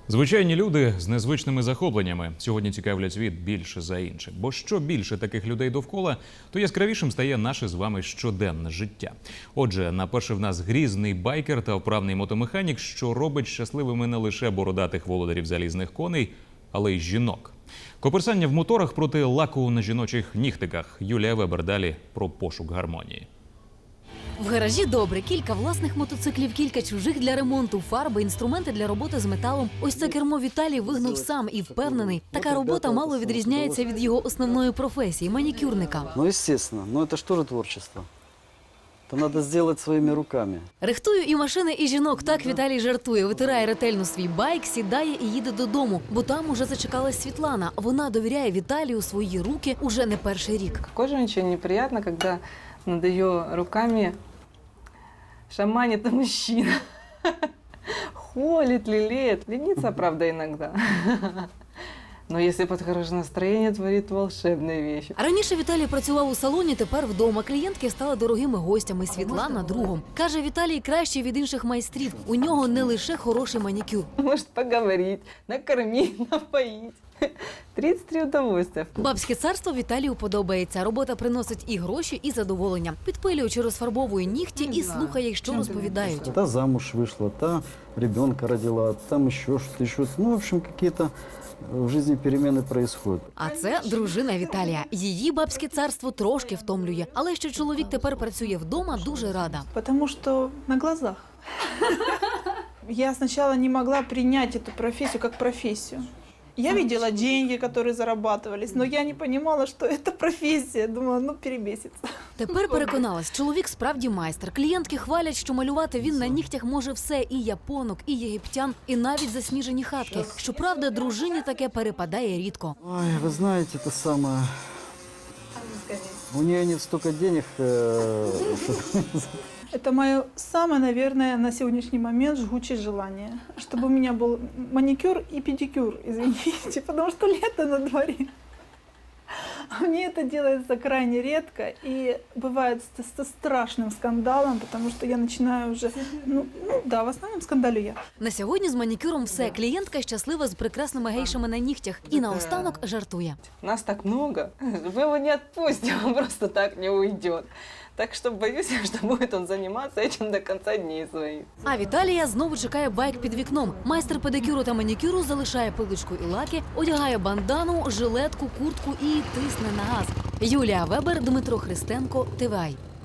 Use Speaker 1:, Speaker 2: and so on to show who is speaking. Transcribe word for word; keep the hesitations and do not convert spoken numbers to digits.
Speaker 1: Звичайні люди з незвичними захопленнями сьогодні цікавлять світ більше за інших. Бо що більше таких людей довкола, то яскравішим стає наше з вами щоденне життя. Отже, на перше в нас грізний байкер та вправний мотомеханік, що робить щасливими не лише бородатих володарів залізних коней, але й жінок. Коперсання в моторах проти лаку на жіночих нігтиках. Юлія Вебер далі про пошук гармонії.
Speaker 2: В гаражі добре. Кілька власних мотоциклів, кілька чужих для ремонту, фарби, інструменти для роботи з металом. Ось це кермо Віталій вигнув сам і впевнений, така робота мало відрізняється від його основної професії – манікюрника.
Speaker 3: Ну, естественно. Но это же тоже творчество. Это надо сделать своими руками.
Speaker 2: Рихтую і машини, і жінок. Так Віталій жартує. Витирає ретельно свій байк, сідає і їде додому. Бо там уже зачекалась Світлана. Вона довіряє Віталію свої руки уже не перший рік.
Speaker 4: Какой женщине неприятно, когда над ее руками шаманит мужчина. Холит, лелеет. Ленится, правда, иногда. Но если под хорошее настроение, творит волшебные вещи.
Speaker 2: Раніше Віталій працював у салоні, тепер вдома. Клієнтки стали дорогими гостями. Світлана – другом. Каже, Віталій кращий від інших майстрів. У нього не лише хороший манікюр.
Speaker 4: Может поговорить, накормить, напоить. тридцять три удовольствия.
Speaker 2: Бабське царство Віталію подобається. Робота приносить і гроші, і задоволення. Підпилюючи, розфарбовує нігті і слухає, що розповідають.
Speaker 3: Та замуж вышла, та ребенка родила, там еще что-то, еще что-то. Ну, в общем, какие-то в жизни перемены происходят.
Speaker 2: А це дружина Віталія. Її бабське царство трошки втомлює. Але що чоловік тепер працює вдома, дуже рада.
Speaker 5: Потому что на глазах. Я сначала не могла принять эту профессию как профессию. Я видела деньги, которые зарабатывались, но я не понимала, что это профессия. Думала, ну перебесится.
Speaker 2: Тепер переконалась, чоловік справді майстер. Клієнтки хвалять, що малювати він на нігтях може все. І японок, і єгиптян, і навіть засніжені хатки. Щоправда, дружині таке перепадає рідко.
Speaker 3: Ой, вы знаете, это самое... У нее нет столько денег, э, что...
Speaker 5: Это мое самое, наверное, на сегодняшний момент жгучее желание. Чтобы у меня был маникюр и педикюр, извините, потому что лето на дворе. А мне это делается крайне редко и бывает с, со страшным скандалом, потому что я начинаю уже, ну, ну да, в основном скандалю я.
Speaker 2: На сьогодні з манікюром все. Клієнтка щаслива з прекрасними гейшами на нігтях. І наостанок жартує.
Speaker 4: Нас так много, мы его не отпустим, он просто так не уйдет. Так что боюсь, что будет он заниматься этим до конца дней своих.
Speaker 2: А Віталія знову чекає байк під вікном. Майстер педикюру та манікюру залишає пилочку і лаки, одягає бандану, жилетку, куртку і тисне на газ. Юлія Вебер, Дмитро Христенко, ТВАЙ.